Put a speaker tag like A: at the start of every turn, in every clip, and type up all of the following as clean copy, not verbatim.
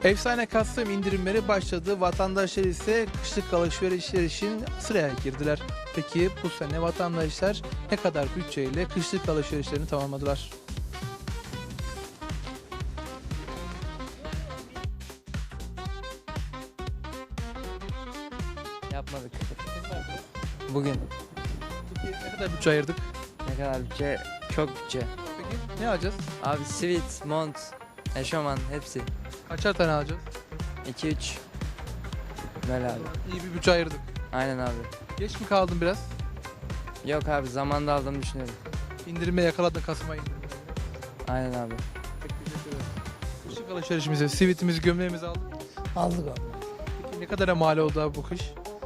A: Efsane Kasım indirimleri başladı. Vatandaşlar ise kışlık alışverişler için sıraya girdiler. Peki bu sene vatandaşlar ne kadar bütçeyle kışlık alışverişlerini tamamladılar?
B: Yapmadık. Bugün
A: Peki ne kadar bütçe ayırdık?
B: ne kadar bütçe? Çok bütçe.
A: Peki ne alacağız?
B: Abi sivit, mont, eşofman hepsi.
A: Kaçar tane alacağız?
B: 2-3. Böyle abi.
A: İyi bir bütçe ayırdık.
B: Aynen abi.
A: Geç mi kaldın biraz?
B: Yok abi zamanda aldığımı düşünüyorum.
A: İndirime yakaladın Kasım ayında.
B: Aynen abi.
A: Peki, teşekkür ederim. Kışlık alışverişimizi, sivitimizi, gömleğimizi aldık.
C: Aldık abi.
A: Peki ne kadara mal oldu abi bu kış?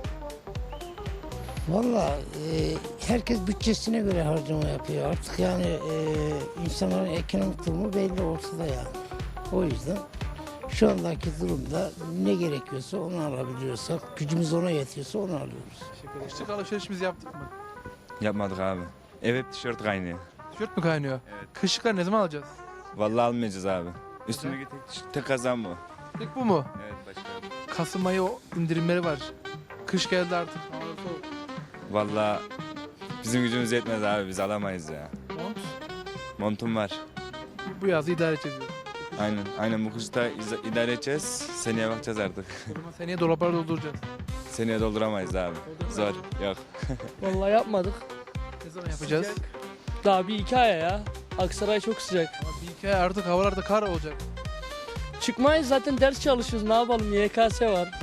C: Valla herkes bütçesine göre harcama yapıyor. Artık yani insanların ekonomik durumu belli ortada yani. O yüzden şu andaki durumda ne gerekiyorsa onu alabiliyorsak, gücümüz ona yetiyorsa onu alıyoruz.
A: Teşekkür ederim. Kışlık alışverişimizi yaptık mı?
D: Yapmadık abi. Ev hep tişört kaynıyor.
A: Tişört mü kaynıyor?
D: Evet.
A: Kışlıklar ne zaman alacağız?
D: Vallahi almayacağız abi. Üstündeki tek kazan bu.
A: Tek bu mu?
D: Evet başka.
A: Kasım ayı o indirimleri var. Kış geldi artık. Hava soğuk.
D: Vallahi bizim gücümüz yetmez abi, biz alamayız ya.
A: Mont.
D: Montum var.
A: Bu yazı idare edeceğiz. diyor.
D: Aynen bu kışta idare edeceğiz. Seneye bakacağız artık.
A: O zaman seneye dolapları dolduracağız.
D: Seneye dolduramayız abi. Zor. Yok.
E: Vallahi yapmadık.
A: Ne zaman yapacağız?
E: Daha bir iki aya ya. Aksaray çok sıcak.
A: Ama bir iki ay artık havalarda kar olacak.
E: Çıkmayız zaten ders çalışıyoruz. Ne yapalım? YKS var.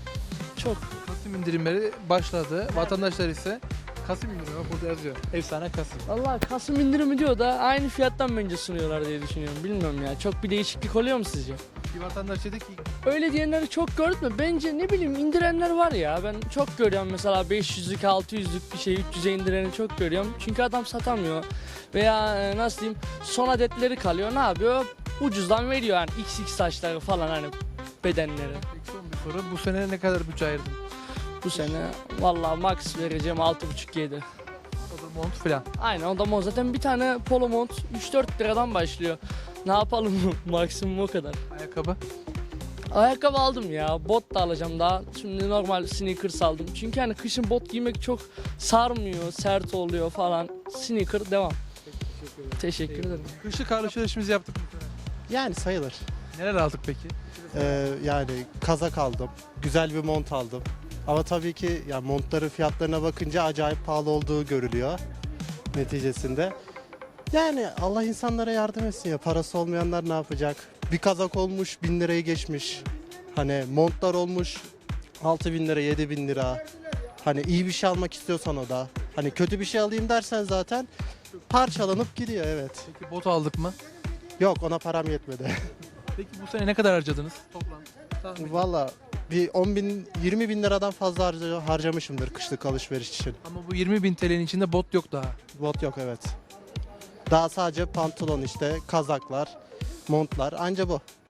E: Çok.
A: Kasım indirimleri başladı. Vatandaşlar ise Kasım indirimi bak burada yazıyor. Efsane Kasım.
E: Vallahi Kasım indirimi diyor da aynı fiyattan bence sunuyorlar diye düşünüyorum. Bilmiyorum ya. Çok bir değişiklik oluyor mu sizce?
A: Bir vatandaş dedi ki
E: Öyle diyenleri çok gördüm mü? Bence ne bileyim indirenler var ya. Ben çok görüyorum mesela 500'lük 600'lük bir şey 300'e indireni çok görüyorum. Çünkü adam satamıyor. Veya nasıl diyeyim son adetleri kalıyor. Ne yapıyor? Ucuzdan veriyor yani XX saçları falan hani bedenleri.
A: peki son bir soru. Bu sene ne kadar bütçe ayırdın?
E: Bu sene vallahi max vereceğim 6,5-7.
A: O da mont falan.
E: Aynen o da mont. Zaten bir tane polo mont 3-4 liradan başlıyor. Ne yapalım maksimum o kadar.
A: Ayakkabı.
E: Ayakkabı aldım ya. Bot da alacağım daha. Şimdi normal sneakers aldım. Çünkü hani kışın bot giymek çok sarmıyor, sert oluyor falan. Sneaker devam. Teşekkür ederim.
A: Kışlık alışverişimizi yaptık. bu sene.
F: Yani sayılır.
A: Neler aldık peki?
F: Yani kazak aldım, güzel bir mont aldım. Ama tabii ki yani montların fiyatlarına bakınca acayip pahalı olduğu görülüyor neticesinde. Yani Allah insanlara yardım etsin ya, parası olmayanlar ne yapacak? Bir kazak olmuş 1000 lirayı geçmiş. Hani montlar olmuş 6000 lira, 7000 lira. Hani iyi bir şey almak istiyorsan o da. Hani kötü bir şey alayım dersen zaten parçalanıp gidiyor, evet.
A: Peki bot aldık mı?
F: Yok, ona param yetmedi.
A: Peki bu sene ne kadar harcadınız toplam? Tahmin.
F: Valla bir 10 bin, 20 bin liradan fazla harcamışımdır kışlık alışveriş için.
A: Ama bu 20.000 TL'nin içinde bot yok daha.
F: Bot yok, evet. Daha sadece pantolon işte, kazaklar, montlar, anca bu.